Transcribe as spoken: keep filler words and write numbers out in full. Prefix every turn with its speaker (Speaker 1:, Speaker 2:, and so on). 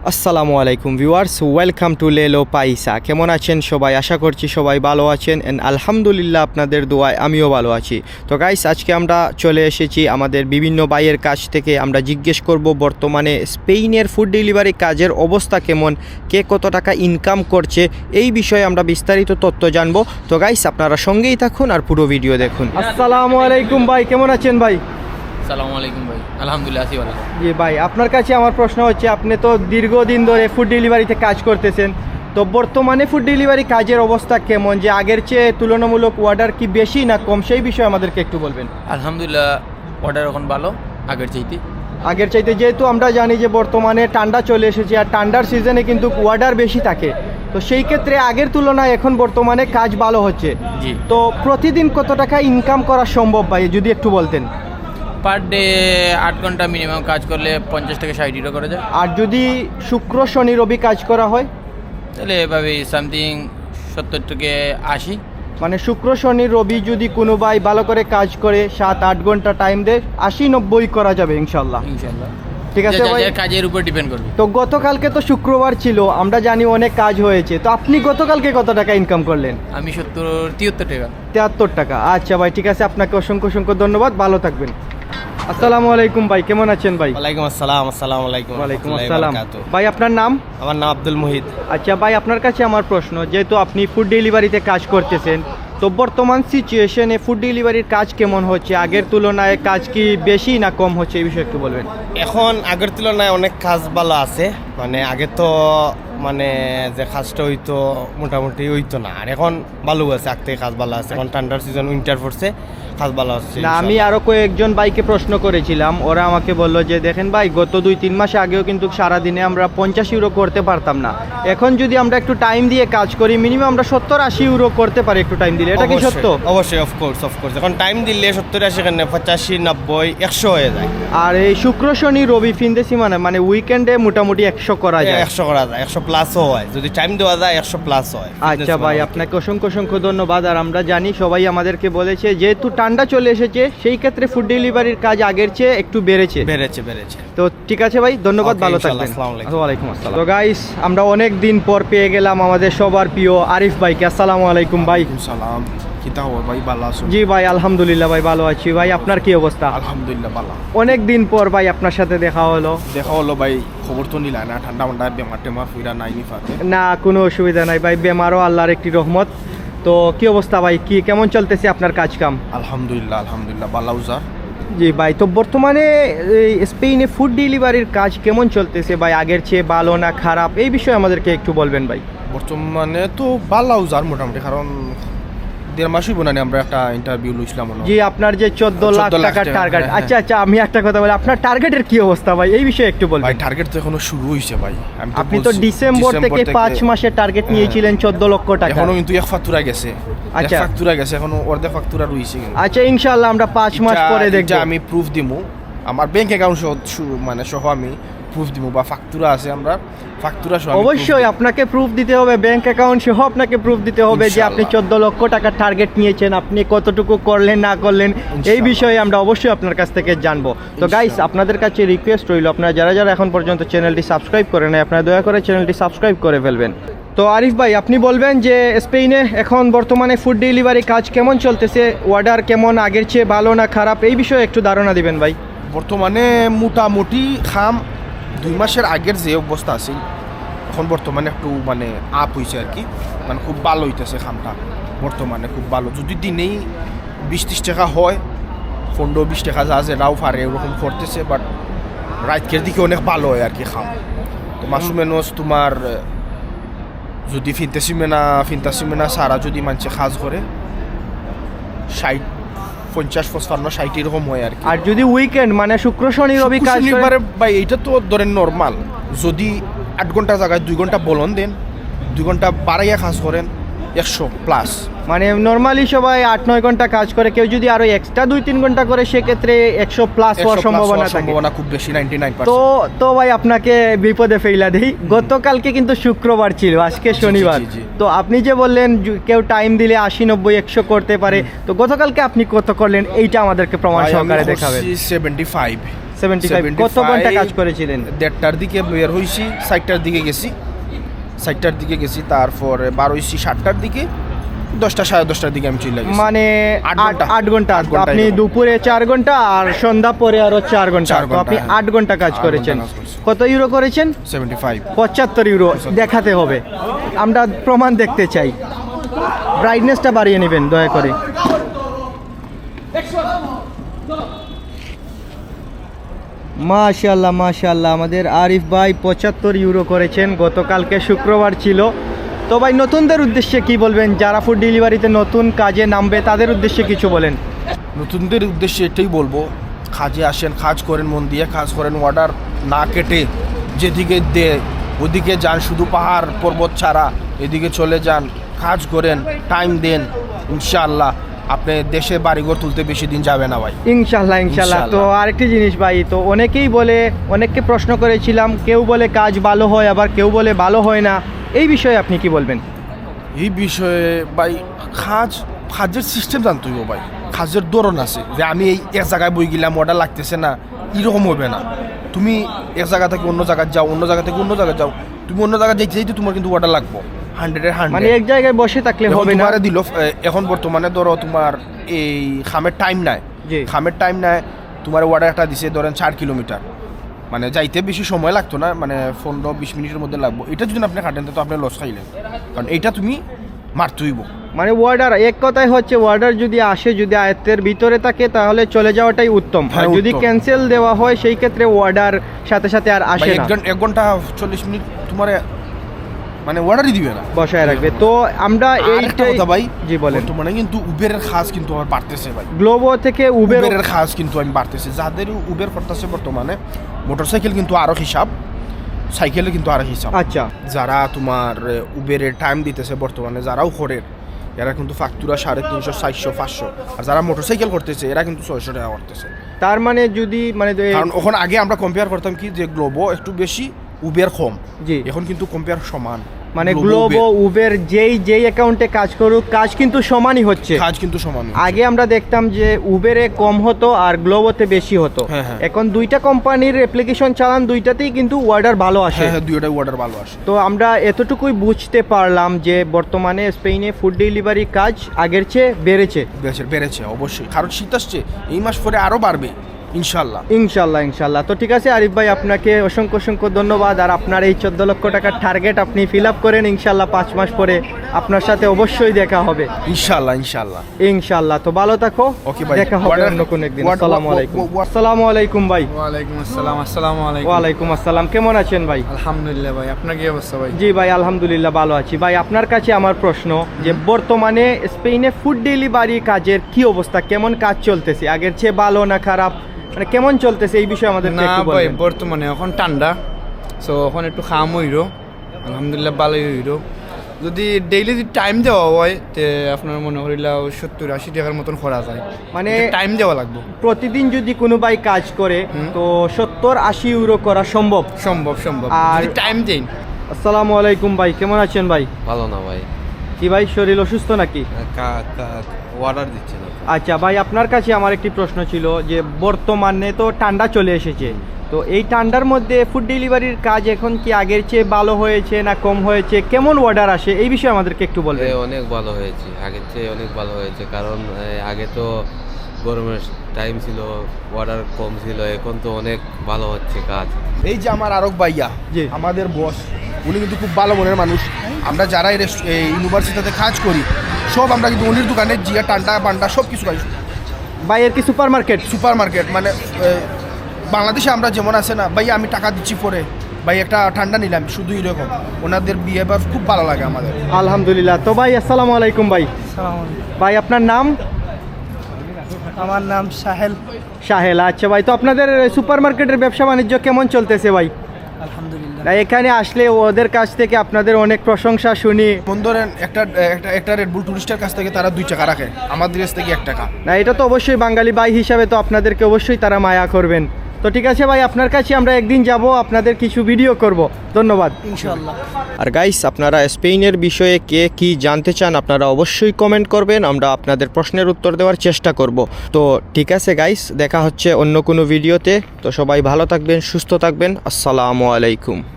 Speaker 1: আসসালামু আলাইকুম viewers, welcome to Lelo Paisa. কেমন আছেন সবাই? আশা করছি সবাই ভালো আছেন অ্যান্ড আলহামদুলিল্লাহ আপনাদের দোয়ায় আমিও ভালো আছি। তো গাইস, আজকে আমরা চলে এসেছি আমাদের বিভিন্ন ভাইয়ের কাছ থেকে। আমরা জিজ্ঞেস করব বর্তমানে স্পেনের ফুড ডেলিভারি কাজের অবস্থা কেমন, কে কত টাকা ইনকাম করছে, এই বিষয়ে আমরা বিস্তারিত তথ্য জানবো। তো গাইস, আপনারা সঙ্গেই থাকুন আর পুরো ভিডিও দেখুন। আসসালামু আলাইকুম ভাই, কেমন আছেন ভাই?
Speaker 2: আসসালামু আলাইকুম ভাই, আলহামদুলিল্লাহ আছি ভালো।
Speaker 1: জি ভাই, আপনার কাছে আমার প্রশ্ন হচ্ছে, আপনি তো দীর্ঘদিন ধরে ফুড ডেলিভারিতে কাজ করতেছেন, তো বর্তমানে ফুড ডেলিভারি কাজের অবস্থা কেমন, যে আগের চেয়ে তুলনামূলক অর্ডার কি বেশি না কম, সেই বিষয়ে আমাদেরকে একটু বলবেন।
Speaker 2: আলহামদুলিল্লাহ অর্ডার এখন ভালো আগের চাইতে।
Speaker 1: আগের চাইতে যেহেতু আমরা জানি যে বর্তমানে ঠান্ডা চলে এসেছে আর ঠান্ডার সিজনে কিন্তু অর্ডার বেশি থাকে, তো সেই ক্ষেত্রে আগের তুলনায় এখন বর্তমানে কাজ ভালো হচ্ছে।
Speaker 2: জি।
Speaker 1: তো প্রতিদিন কত টাকা ইনকাম করা সম্ভব ভাই, যদি একটু বলতেন।
Speaker 2: পার ডে আট ঘন্টা মিনিমাম কাজ করলে পঞ্চাশ থেকে ষাট ইউরো করে যায়।
Speaker 1: আর যদি শুক্র শনি রবি কাজ করা হয়,
Speaker 2: তাহলে এভাবে সামথিং সত্তর থেকে আশি।
Speaker 1: মানে শুক্র শনি রবি যদি কোনো ভাই ভালো করে কাজ করে সাত আট ঘন্টা টাইম দেয়, আশি নব্বই করা যাবে ইনশাল্লাহ।
Speaker 2: ইনশাল্লাহ
Speaker 1: ঠিক আছে ভাই।
Speaker 2: কাজের উপর ডিপেন্ড করবে।
Speaker 1: তো গতকালকে তো শুক্রবার ছিল, আমরা জানি অনেক কাজ হয়েছে, তো আপনি গতকালকে কত টাকা ইনকাম করলেন?
Speaker 2: আমি সত্তর তিয়াত্তর টাকা।
Speaker 1: তিয়াত্তর টাকা। আচ্ছা ভাই, ঠিক আছে, আপনাকে অসংখ্য অসংখ্য ধন্যবাদ, ভালো থাকবেন। আসসালামু আলাইকুম ভাই, কেমন আছেন ভাই?
Speaker 3: ওয়ালাইকুম আসসালাম। আসসালামু আলাইকুম।
Speaker 1: ওয়ালাইকুম
Speaker 3: রাহমাতুল্লাহি
Speaker 1: আসসালাম।
Speaker 3: ওয়া বারাকাতুহু।
Speaker 1: ভাই আপনার নাম?
Speaker 3: আমার নাম আব্দুল মুহিত।
Speaker 1: আচ্ছা ভাই, আপনার কাছে আমার প্রশ্ন, যেহেতু আপনি ফুড ডেলিভারিতে কাজ করতেছেন, তো বর্তমান সিচুয়েশনে ফুড ডেলিভারির কাজ কেমন হচ্ছে, আগের তুলনায় কাজ কি বেশি না কম হচ্ছে, এই বিষয়ে একটু বলবেন।
Speaker 3: এখন আগের তুলনায় অনেক কাজ ভালো আছে। মানে আগে তো মানে যে কাজটা হইতো মোটামুটি হইতো না, আর এখন ভালো আছে, আগ থেকে কাজ ভালো আছে। এখন ঠান্ডার সিজন উইন্টার পড়ছে, কাজ ভালো আছে।
Speaker 1: না, আমি আরো কয়েকজন ভাইকে প্রশ্ন করেছিলাম, ওরা আমাকে বললো যে দেখেন ভাই, গত দুই তিন মাস আগেও কিন্তু সারাদিনে আমরা পঞ্চাশ ইউরো করতে পারতাম না, এখন যদি আমরা একটু টাইম দিয়ে কাজ করি মিনিমাম আমরা সত্তর আশি ইউরো করতে পারি একটু টাইম দিলে, এটা কি সত্য?
Speaker 3: অবশ্যই, অফকোর্স অফকোর্স। এখন টাইম দিলে সত্তর আশি কেন পঁচাশি নব্বই একশো হয়ে যায়।
Speaker 1: আর এই শুক্র শনি রবি ফিনদেশি মানে মানে উইকেন্ডে মোটামুটি একশো করা যায়।
Speaker 3: একশো করা যায়, একশো প্লাসও হয় যদি টাইম দেওয়া যায়, একশো প্লাস হয়।
Speaker 1: আচ্ছা ভাই, আপনাকে অসংখ্য অসংখ্য ধন্যবাদ। আর আমরা জানি সবাই আমাদেরকে বলেছে, যেহেতু ঠান্ডা চলে এসেছে সেই ক্ষেত্রে ফুড ডেলিভারির কাজ আগের চেয়ে একটু বেড়েছে
Speaker 3: বেড়েছে বেড়েছে
Speaker 1: তো ঠিক আছে ভাই, ধন্যবাদ,
Speaker 3: Okay,
Speaker 1: ভালো
Speaker 3: ইনশাআল্লাহ,
Speaker 1: থাকবেন।
Speaker 3: আসসালামু আলাইকুম।
Speaker 1: ওয়ালাইকুম আসসালাম। তো গাইস, আমরা অনেক দিন পর পেয়ে গেলাম আমাদের সবার প্রিয় আরিফ ভাইকে। আসসালামু আলাইকুম ভাই।
Speaker 4: সালাম। কিতা খবর ভাই, ভালো আছো?
Speaker 1: জি ভাই, আলহামদুলিল্লাহ ভাই, ভালো আছি ভাই, আপনার কি অবস্থা?
Speaker 4: আলহামদুলিল্লাহ ভালো।
Speaker 1: অনেক দিন পর ভাই আপনার সাথে দেখা হলো।
Speaker 4: দেখা হলো ভাই, খবর তো নিলা না, ঠান্ডা মান্ডা বেমার টেমার ফুইরা নাই নি ফাতে।
Speaker 1: না, কোনো অসুবিধা নাই ভাই, বেমারও আল্লাহর একটি রহমত। তো কি অবস্থা ভাই, কি কেমন চলতেছে আপনার কাজ কাম?
Speaker 4: আলহামদুলিল্লাহ আলহামদুলিল্লাহ ভালো উজার।
Speaker 1: জি ভাই, তো বর্তমানে এই স্পেনে ফুড ডেলিভারির কাজ কেমন চলতেছে ভাই, আগের চেয়ে ভালো না খারাপ, এই বিষয়ে আমাদেরকে একটু বলবেন ভাই।
Speaker 4: বর্তমানে তো ভালো উজার মোটামুটি, কারণ দেড় মাস হইব না নি আমরা একটা ইন্টারভিউ লইছিলাম মনে হয়।
Speaker 1: জি, আপনার যে চোদ্দ লাখ
Speaker 4: চোদ্দ লাখ
Speaker 1: টাকার
Speaker 4: টাকা,
Speaker 1: টার্গেট।
Speaker 4: হ্যাঁ,
Speaker 1: আচ্ছা আচ্ছা, আমি একটা কথা বলি, আপনার টার্গেটের কি অবস্থা ভাই, এই বিষয়ে একটু
Speaker 4: ভাই
Speaker 1: বলবেন।
Speaker 4: টার্গেট তো এখনো শুরু হইছে ভাই। আমি
Speaker 1: আপনি তো
Speaker 4: বলছি,
Speaker 1: ডিসেম্বর থেকে পাঁচ মাসের টার্গেট নিয়েছিলেন চোদ্দ লক্ষ টাকা।
Speaker 4: এখনো কিন্তু এক ফাতুরা গেছে। এক
Speaker 1: আচ্ছা।
Speaker 4: ফাতুরা গেছে, এখনো অর্ধেক ফাতুরা রইছে কিন্তু।
Speaker 1: আচ্ছা, ইনশাআল্লাহ আমরা পাঁচ মাস
Speaker 4: এটা-
Speaker 1: পরে
Speaker 4: এটা
Speaker 1: দেখব।
Speaker 4: আমি প্রুফ দিমু, আমার ব্যাংক অ্যাকাউন্ট মানে সহ আমি প্রুফ দিমু, বা ফাকতুরা আছে আমরা ফাকতুরা সহ আমি proof
Speaker 1: অবশ্যই
Speaker 4: দিমু।
Speaker 1: আপনাকে প্রুফ দিতে হবে, ব্যাংক অ্যাকাউন্ট সহ আপনাকে প্রুফ দিতে হবে যে আপনি
Speaker 4: ইনশাআল্লাহ।
Speaker 1: চোদ্দ লক্ষ টাকার টার্গেট নিয়েছেন, আপনি কতটুকু করলেন না করলেন, এই
Speaker 4: ইনশাআল্লাহ।
Speaker 1: বিষয়ে আমরা অবশ্যই আপনার কাছ থেকে জানবো। তো গাইস,
Speaker 4: ইনশাআল্লাহ।
Speaker 1: আপনাদের কাছে রিকোয়েস্ট রইল, আপনারা যারা যারা এখন পর্যন্ত চ্যানেলটি সাবস্ক্রাইব করেন নাই, আপনারা দয়া করে চ্যানেলটি সাবস্ক্রাইব করে ফেলবেন। তো আরিফ ভাই, আপনি বলবেন যে স্পেনে এখন বর্তমানে ফুড ডেলিভারি কাজ কেমন চলতেছে, অর্ডার কেমন, আগের চেয়ে ভালো না খারাপ, এই বিষয়ে একটু ধারণা দিবেন ভাই।
Speaker 4: বর্তমানে মোটামুটি খাম দুই মাসের আগের যে অবস্থা আছে, এখন বর্তমানে একটু মানে আপ হয়েছে আর কি, মানে খুব ভালো হইতেছে খামটা বর্তমানে, খুব ভালো। যদি দিনেই বিশ ত্রিশ টাকা হয়, পনেরো বিশ টাকা যা যেটাও পারে ওরকম করতেছে, বাট রাইতকের দিকে অনেক ভালো হয় আর কি খাম। তো মাসুমেনস তোমার যদি ফিনতেছি মেনা ফিনতাসি মেনা সারা যদি মানুষে কাজ করে ষাট পঞ্চাশ পঁচপান্ন ষাট এরকম হয় আর কি।
Speaker 1: আর যদি উইকেন্ড মানে শুক্র শনি রবি কাজ করে-
Speaker 4: শনিবারে ভাই এইটা তো ধরেন নর্মাল, যদি আট ঘন্টা জায়গায় দুই ঘন্টা বলন দেন, দুই ঘন্টা বাড়াইয়া কাজ করেন, একশো প্লাস।
Speaker 1: মানে নর্মালি সবাই আট নয় ঘন্টা কাজ করে, কেউ যদি আরো এক্সট্রা দুই তিন ঘন্টা করে সেক্ষেত্রে একশো প্লাস হওয়ার সম্ভাবনা থাকে।
Speaker 4: সম্ভাবনা খুব বেশি, নাইনটি নাইন
Speaker 1: তো তো ভাই আপনাকে বিপদে ফেলা দেই, গতকালকে কিন্তু শুক্রবার ছিল, আজকে শনিবার।
Speaker 4: জি, জি।
Speaker 1: তো আপনি যে বললেন জু- কেউ টাইম দিলে আশি নব্বই একশো করতে পারে, তো গতকালকে আপনি কত করলেন এইটা আমাদেরকে প্রমাণ সহকারে দেখাবেন।
Speaker 4: সেভেন্টি ফাইভ
Speaker 1: সেভেন্টি ফাইভ কত ঘন্টা কাজ করেছিলেন?
Speaker 4: দেড়টার দিকে বের হয়েছি, সাইটটার দিকে গেছি, সাইটটার দিকে গেছি, তারপরে বার হয়েছি সাতটার দিকে, দশটা সাড়ে দশটার দিকে আমি চলে গেছি।
Speaker 1: মানে
Speaker 4: আট
Speaker 1: আট
Speaker 4: ঘন্টা।
Speaker 1: আট ঘন্টা
Speaker 4: আট ঘন্টা
Speaker 1: আপনি
Speaker 4: এরকম।
Speaker 1: দুপুরে চার ঘন্টা আর সন্ধ্যা পরে আরো চার ঘন্টা,
Speaker 4: চার
Speaker 1: তো
Speaker 4: ঘন্টা,
Speaker 1: আপনি
Speaker 4: হ্যাঁ।
Speaker 1: আট ঘন্টা কাজ
Speaker 4: আট
Speaker 1: করেছেন।
Speaker 4: ঘন্টা কাজ করছি।
Speaker 1: কত ইউরো করেছেন?
Speaker 4: Seventy five.
Speaker 1: পঁচাত্তর ইউরো দেখাতে হবে, আমরা প্রমাণ দেখতে চাই। ব্রাইটনেসটা বাড়িয়ে নেবেন দয়া করে। মাশাআল্লাহ মাশাআল্লাহ, আমাদের আরিফ ভাই পঁচাত্তর ইউরো করেছেন, গতকালকে শুক্রবার ছিল। তো ভাই নতুনদের উদ্দেশ্যে কি বলবেন, যারা ফুড ডেলিভারিতে নতুন কাজে নামবে তাদের উদ্দেশ্যে কিছু বলেন।
Speaker 4: নতুনদের উদ্দেশ্যে এটাই বলবো, কাজে আসেন, কাজ করেন, মন দিয়ে কাজ করেন, অর্ডার না কেটে যেদিকে দে ওদিকে যান, শুধু পাহাড় পর্বত ছাড়া এদিকে চলে যান, কাজ করেন, টাইম দেন, ইনশাআল্লাহ আপনি দেশে বাড়িঘর তুলতে বেশি দিন যাবে না ভাই।
Speaker 1: ইনশাল্লাহ ইনশাল্লাহ। তো
Speaker 4: ইনশাআল্লাহ।
Speaker 1: আরেকটি জিনিস ভাই, তো অনেকেই বলে, অনেককে প্রশ্ন করেছিলাম, কেউ বলে কাজ ভালো হয়, আবার কেউ বলে ভালো হয় না, এই বিষয়ে আপনি কি বলবেন?
Speaker 4: এই বিষয়ে ভাই, কাজ কাজের সিস্টেম জানতে হইব ভাই, কাজের ধরন আছে, যে আমি এই এক জায়গায় বই গেলাম, অর্ডার লাগতেছে না, এরকম হবে না। তুমি এক জায়গা থেকে অন্য জায়গায় যাও, অন্য জায়গা থেকে অন্য জায়গায় যাও, তুমি অন্য জায়গায় যাইতে যাইতে তোমার কিন্তু অর্ডার লাগবো হান্ড্রেডের
Speaker 1: মানে
Speaker 4: হান্ড্রেড।
Speaker 1: এক জায়গায় বসে থাকলে হবে না।
Speaker 4: তোমার দিল এখন বর্তমানে ধরো তোমার এই খামের টাইম নাই,
Speaker 1: জি।
Speaker 4: খামের টাইম নাই, তোমার অর্ডার একটা দিছে ধরেন চার কিলোমিটার, মানে যাইতে বেশি সময় লাগতো না, মানে পনেরো বিশ মিনিটের মধ্যে লাগবো। এটা যদি আপনি কাটেন তো আপনি লস খাইলেন, কারণ এইটা তুমি মারতেইব।
Speaker 1: মানে অর্ডার, এক কথায় হচ্ছে অর্ডার যদি আসে, যদি আয়ত্তের ভিতরে থাকে তাহলে চলে যাওয়াটাই উত্তম। আর
Speaker 4: হ্যাঁ,
Speaker 1: যদি
Speaker 4: উত্তম।
Speaker 1: ক্যান্সেল দেওয়া হয় সেই ক্ষেত্রে অর্ডার সাথে সাথে আর আসে
Speaker 4: এক
Speaker 1: না,
Speaker 4: ঘন্টা এক ঘন্টা চল্লিশ মিনিট তোমার মানে অর্ডারই দিবে না,
Speaker 1: বসায় রাখবে। তো আমরা
Speaker 4: আর একটা
Speaker 1: এইটাই,
Speaker 4: কথা ভাই,
Speaker 1: জি বলেন।
Speaker 4: বর্তমানে কিন্তু উবেরের খাস কিন্তু আমার বাড়তেছে ভাই,
Speaker 1: গ্লোবো থেকে উবের,
Speaker 4: উবেরের খাস কিন্তু আমি বাড়তেছে, যাদের উবের করতেছে বর্তমানে, মোটরসাইকেল কিন্তু আরো হিসাব, সাইকেলে কিন্তু আরো হিসাব।
Speaker 1: আচ্ছা
Speaker 4: যারা তোমার উবেরের টাইম দিতেছে বর্তমানে, যারাও করে, এরা কিন্তু ফাকতুরা সাড়ে তিনশো চারশো পাঁচশো, আর যারা মোটরসাইকেল করতেছে এরা কিন্তু ছয়শো টাকা করতেছে।
Speaker 1: তার মানে যদি মানে এ-
Speaker 4: কারণ ওখান আগে আমরা কম্পেয়ার করতাম কি, যে গ্লোবো একটু বেশি, উবের কম,
Speaker 1: জি।
Speaker 4: এখন কিন্তু কম্পেয়ার সমান,
Speaker 1: মানে
Speaker 4: Globo,
Speaker 1: গ্লোবো
Speaker 4: Uber,
Speaker 1: উবের যেই যেই অ্যাকাউন্টে কাজ করুক, কাজ কিন্তু সমানই হচ্ছে।
Speaker 4: কাজ কিন্তু সমান।
Speaker 1: আগে আমরা দেখতাম যে উবেরে কম হতো আর গ্লোবোতে বেশি হতো।
Speaker 4: হ্যাঁ, হ্যাঁ।
Speaker 1: এখন দুইটা কোম্পানির অ্যাপ্লিকেশন চালান, দুইটাতেই কিন্তু অর্ডার ভালো আসে।
Speaker 4: হ্যাঁ হ্যাঁ, দুইটাই অর্ডার ভালো আসে।
Speaker 1: তো আমরা এতটুকুই বুঝতে পারলাম যে বর্তমানে স্পেনে ফুড ডেলিভারি কাজ আগের চেয়ে বেড়েছে।
Speaker 4: বেড়েছে বেড়েছে অবশ্যই, কারণ শীত আসছে, এই মাস পরে আরো বাড়বে ইনশাল্লাহ।
Speaker 1: ইনশাল্লাহ ইনশাল্লাহ। তো ঠিক আছে আরিফ ভাই, আপনাকে অসংখ্য অসংখ্য ধন্যবাদ। আর আপনার এই চোদ্দ লক্ষ টাকার টার্গেট আপনি ফিল আপ করেন, ইনশাল্লাহ পাঁচ মাস পরে আপনার সাথে অবশ্যই দেখা হবে
Speaker 4: ইনশাল্লাহ ইনশাল্লাহ।
Speaker 1: ইনশাল্লাহ। তো ভালো থাকো,
Speaker 4: ওকে ভাই,
Speaker 1: দেখা হবে
Speaker 4: What-
Speaker 1: অন্য কোনো একদিন।
Speaker 4: what-
Speaker 1: আসসালামু
Speaker 4: what-
Speaker 1: আলাইকুম।
Speaker 4: what- what-
Speaker 1: আসসালামু আলাইকুম ভাই।
Speaker 5: ওয়ালাইকুম আসসালাম। আসসালামু আলাইকুম।
Speaker 1: ওয়ালাইকুম আসসালাম, কেমন আছেন ভাই?
Speaker 5: আলহামদুলিল্লাহ ভাই, আপনার কি অবস্থা ভাই?
Speaker 1: জি ভাই আলহামদুলিল্লাহ ভালো আছি। ভাই আপনার কাছে আমার প্রশ্ন, যে বর্তমানে স্পেনে ফুড ডেলিভারি কাজের কি অবস্থা, কেমন কাজ চলতেছে, আগের চেয়ে ভালো না খারাপ, মানে কেমন চলতেছে এই বিষয়ে আমাদের
Speaker 5: না
Speaker 1: একটু
Speaker 5: ভাই,
Speaker 1: বলবেন।
Speaker 5: বর্তমানে এখন ঠান্ডা, সো এখন একটু খাম হইরো, আলহামদুলিল্লাহ ভালোই হইরো। যদি ডেইলি যদি টাইম দেওয়া হয় তে আপনার মনে করিলাও সত্তর আশি টাকার মতন করা যায়,
Speaker 1: মানে
Speaker 5: টাইম দেওয়া লাগবে।
Speaker 1: প্রতিদিন যদি কোনো ভাই কাজ করে
Speaker 5: হুম।
Speaker 1: তো সত্তর আশি ইউরো করা সম্ভব।
Speaker 5: সম্ভব সম্ভব,
Speaker 1: আর-
Speaker 5: যদি টাইম দেন।
Speaker 1: আসসালামু আলাইকুম ভাই, কেমন আছেন ভাই?
Speaker 6: ভালো না ভাই,
Speaker 1: কি ভাই শরীর অসুস্থ নাকি?
Speaker 6: অর্ডার দিচ্ছে না।
Speaker 1: আচ্ছা ভাই, আপনার কাছে আমার একটি প্রশ্ন ছিল, যে বর্তমানে তো ঠান্ডা চলে এসেছে, তো এই ঠান্ডার মধ্যে ফুড ডেলিভারির কাজ এখন কি আগের চেয়ে ভালো হয়েছে না কম হয়েছে, কেমন অর্ডার আসে, এই বিষয়ে আমাদেরকে একটু
Speaker 6: এ
Speaker 1: বলবেন।
Speaker 6: অনেক ভালো হয়েছে, আগের চেয়ে অনেক ভালো হয়েছে, কারণ এ, আগে তো গরমের টাইম ছিল, অর্ডার কম ছিল, এখন তো অনেক ভালো হচ্ছে কাজ।
Speaker 4: এই যে আমার আরক ভাইয়া,
Speaker 1: জি।
Speaker 4: আমাদের বস, উনি কিন্তু খুব ভালো মনের মানুষ। আমরা যারা এই রেস্ট- এই ইউনিভার্সিটিতে কাজ করি, সব আমরা কিন্তু উনির দোকানে জিয়া টান্ডা পান্ডা সব কিছু পাই।
Speaker 1: ভাই এর কি সুপার মার্কেট?
Speaker 4: সুপার মার্কেট মানে এ, বাংলাদেশে আমরা যেমন আছে না ভাই, আমি টাকা দিচ্ছি পরে ভাই একটা ঠান্ডা নিলাম, শুধু এরকম ওনাদের বিহেভিয়ার খুব ভালো লাগে আমাদের।
Speaker 1: আলহামদুলিল্লাহ। তো ভাই আসসালামু আলাইকুম ভাই। ভাই আপনার নাম?
Speaker 7: আমার নাম সাহেল।
Speaker 1: সাহেল। আচ্ছা ভাই, তো আপনাদের সুপার মার্কেটের ব্যবসা বাণিজ্য কেমন চলতেছে ভাই?
Speaker 7: আলহামদুলিল্লাহ।
Speaker 1: না, এখানে আসলে ওদের কাছ থেকে আপনাদের অনেক প্রশংসা শুনি।
Speaker 4: মন ধরেন একটা একটা একটা রেডবুল টুরিস্টের কাছ থেকে তারা দুই টাকা রাখে, আমাদের কাছ থেকে এক টাকা।
Speaker 1: না, এটা তো অবশ্যই বাঙালি ভাই হিসাবে তো আপনাদেরকে অবশ্যই তারা মায়া করবেন। তো ঠিক আছে ভাই, আপনার কাছে আমরা একদিন যাব, আপনাদের কিছু ভিডিও করব। ধন্যবাদ।
Speaker 7: ইনশাআল্লাহ।
Speaker 1: আর গাইস, আপনারা স্পেনের বিষয়ে কে কি জানতে চান আপনারা অবশ্যই কমেন্ট করবেন, আমরা আপনাদের প্রশ্নের উত্তর দেওয়ার চেষ্টা করব। তো ঠিক আছে গাইস, দেখা হচ্ছে অন্য কোনো ভিডিওতে। তো সবাই ভালো থাকবেন, সুস্থ থাকবেন। আসসালামু আলাইকুম।